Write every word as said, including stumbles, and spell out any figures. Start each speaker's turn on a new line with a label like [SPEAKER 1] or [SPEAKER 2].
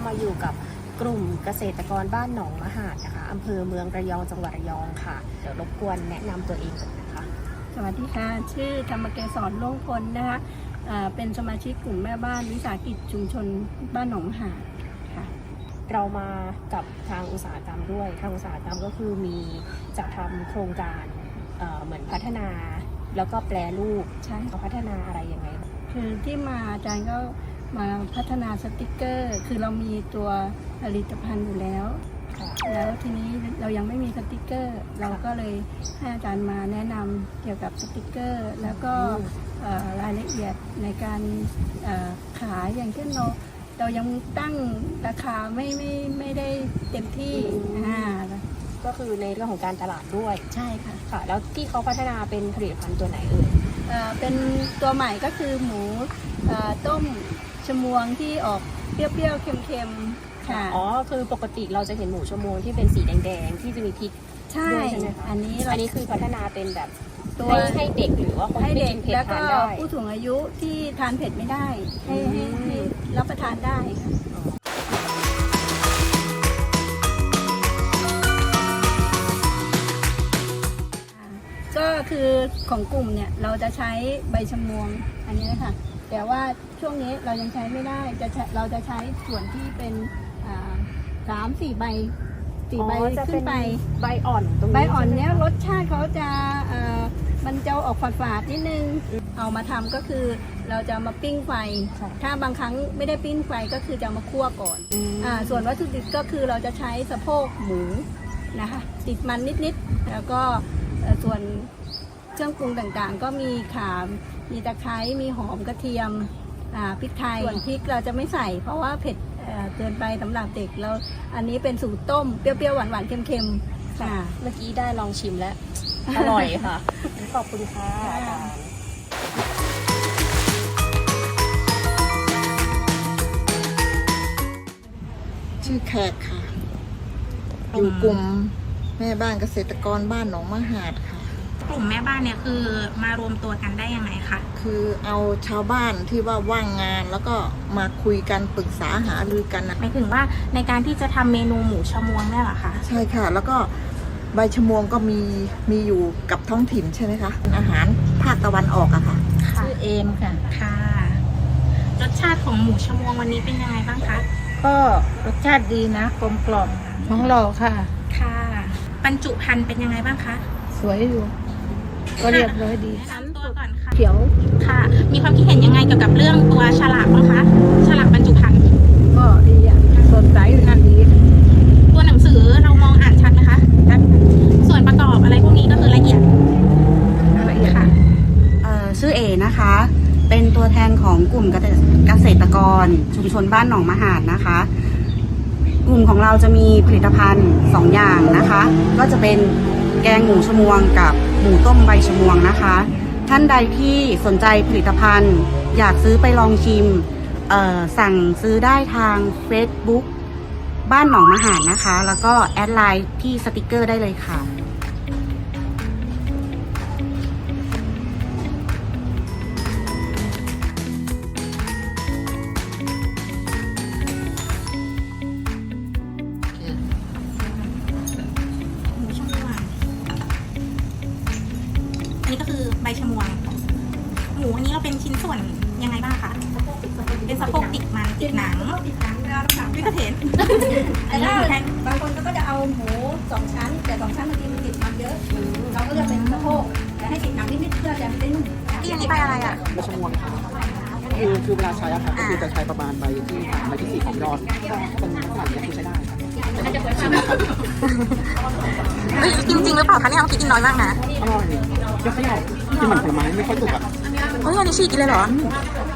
[SPEAKER 1] มาอยู่กับกลุ่มเกษตรกรบ้านหนองมหาดนะคะอำเภอเมืองระยองจังหวัดระยองค่ะเดี๋ยวรบกวนแนะนำตัวเองก่อนนะคะ
[SPEAKER 2] สวัสดีค่ะชื่อธรรมเกษรโล่งพลนะคะเป็นสมาชิกกลุ่มแม่บ้านวิสาหกิจชุมชนบ้านหนองมหาดค่ะ
[SPEAKER 1] เรามากับทางอุตสาหกรรมด้วยทางอุตสาหกรรมก็คือมีจะทำโครงการเอ่อเหมือนพัฒนาแล้วก็แปรรูปใช่เขาพัฒนาอะไรยังไง
[SPEAKER 2] คือที่มาอาจารย์ก็มาพัฒนาสติกเกอร์คือเรามีตัวผลิตภัณฑ์อยู่แล้วแล้วทีนี้เรายังไม่มีสติกเกอร์เราก็เลยให้อาจารย์มาแนะนำเกี่ยวกับสติกเกอร์แล้วก็รายละเอียดในการขายอย่างเช่นเราเรายังตั้งราคาไม่ไม่ไม่ได้เต็มที่อ่า
[SPEAKER 1] ก็คือในเรื่องของการตลาดด้วย
[SPEAKER 2] ใช่ค่ะ
[SPEAKER 1] ค่ะแล้วที่เขาพัฒนาเป็นผลิตภัณฑ์ตัวไหนเอ่ย
[SPEAKER 2] เป็นตัวใหม่ก็คือหมูต้มชมวงที่ออกเปรี้ยวๆเค็มๆค่ะ
[SPEAKER 1] อ๋อคือปกติเราจะเห็นหมูชมวงที่เป็นสีแดงๆที่จะมีพริกด้วยใช่ไหมคะ
[SPEAKER 2] อันนี้
[SPEAKER 1] อันนี้คือพัฒนาเป็นแบบตัวให้เด็กหรือว่าคนที่กินเผ็ดทานได้
[SPEAKER 2] แล้วก็ผู้สูงอายุที่ทานเผ็ดไม่ได้ให้ให้รับประทานได้ก็คือของกลุ่มเนี่ยเราจะใช้ใบชะมวงอันนี้นะคะแต่ว่าช่วงนี้เรายังใช้ไม่ได้จะเราจะใช้ส่วนที่เป็นสามสี่ใบสี่ใบขึ้นไป
[SPEAKER 1] ใบอ่อน
[SPEAKER 2] ใบอ่อนเนี้ยรสชาติเขาจะมันจะออกฝาดๆนิดนึงเอามาทำก็คือเราจะมาปิ้งไฟถ้าบางครั้งไม่ได้ปิ้งไฟก็คือจะมาคั่วก่อนอ่าส่วนวัตถุดิบก็คือเราจะใช้สะโพกหมูนะคะติดมันนิดๆแล้วก็ส่วนเครื่องปรุงต่างๆก็มีข่ามีตะไคร้มีหอมกระเทียมพริกไทยส่วนพริกเราจะไม่ใส่เพราะว่าเผ็ดเกินไปสำหรับเด็กแล้วอันนี้เป็นสูตรต้มเปรี้ยวๆหวานๆเค็มๆค่ะ
[SPEAKER 1] เมื่อกี้ได้ลองชิมแล้วอร่อยค่ะขอบคุณค่ะ
[SPEAKER 3] ชื่อแขกค่ะอยู่กลุ่มแม่บ้านเกษตรกรบ้านหนองมหาดค่ะ
[SPEAKER 4] กลุ่มแม่บ้านเนี่ยคือมารวมตัวกันได้ยังไงคะ
[SPEAKER 3] คือเอาชาวบ้านที่ว่าว่างงานแล้วก็มาคุยกันปรึกษาหารือกัน
[SPEAKER 4] หมายถึงว่าในการที่จะทำเมนูหมูชมวงเนี่ยเหรอคะ
[SPEAKER 3] ใช่ค่ะแล้วก็ใบชะมวงก็มีมีอยู่กับท้องถิ่นใช่ไหมคะอาหารภาคตะวันออกอะค่ะ
[SPEAKER 2] ชื่อเอมค่ะ
[SPEAKER 4] ค่ะรสชาติของหมูชมวงวันนี้เป็นยังไงบ้างคะ
[SPEAKER 2] ก็รสชาติดีนะกลมกล่อมท้องหล่อค่ะ
[SPEAKER 4] ค่ะบรรจุภัณฑ์เป็นยังไงบ้างคะ
[SPEAKER 2] สวยอยู่ก็เรียบร้อยดี
[SPEAKER 4] แนะนำตัวก่อนค่ะ
[SPEAKER 2] เขียว
[SPEAKER 4] ค่ะมีความคิดเห็นยังไงเกี่ยวกับเรื่องตัวฉลากบ้างคะฉลากบรรจุภัณฑ์
[SPEAKER 2] ก็ดีอ่ะสดใสงานดี
[SPEAKER 4] ตัวหนังสือเรามองอ่านชัดไหมคะส่วนประกอบอะไรพวกนี้ก็คือละเอียด
[SPEAKER 2] ละเอียดค่ะ
[SPEAKER 5] ชื่อเอนะคะเป็นตัวแทนของกลุ่มเกษตรกรชุมชนบ้านหนองมหาดนะคะกลุ่มของเราจะมีผลิตภัณฑ์สองอย่างนะคะก็จะเป็นแกงหมูชมวงกับหมูต้มใบชมวงนะคะท่านใดที่สนใจผลิตภัณฑ์อยากซื้อไปลองชิมสั่งซื้อได้ทาง Facebook บ้านหนองมหาดนะคะแล้วก็แอดไลน์ที่สติกเกอร์ได้เลยค่ะ
[SPEAKER 4] นี่ก็คือใบชะมวงหมูอันนี้เราเป็นชิ้นส่วนยังไงบ้างคะเป็นสะโพกติดมันติดหนัง
[SPEAKER 2] ติดหนังแล้วหนัง
[SPEAKER 4] ไม่กระเทน
[SPEAKER 2] แต่ถ้าบางคนก็จะเอาหมูสองชั้นแต่สองชั้นบางทีมันติดมันเยอะเราก็จะเป็นสะโพกแต่ให้ติดหนังนิดๆเพื่อจะไม่ได้นุ่ม
[SPEAKER 4] ที่อันนี้ใบอะไรอ่ะ
[SPEAKER 6] ใบชะมวงค่ะคือคือเวลาใช้อะค่ะก็คือจะใช้ประมาณใบที่สามใบที่สี่ของยอดเป็นขนาดนี้คือใช้ได้ค่ะ
[SPEAKER 4] จริงจริงหรือเปล่าคะเนี่ยเรากินน้อยมากนะ
[SPEAKER 6] อร่อยเยอะขยะที่มันผลไม้ไม่ค่อยสุกอ่ะ
[SPEAKER 4] เฮ้ยอันนี้ฉีกกินเลยเหรอ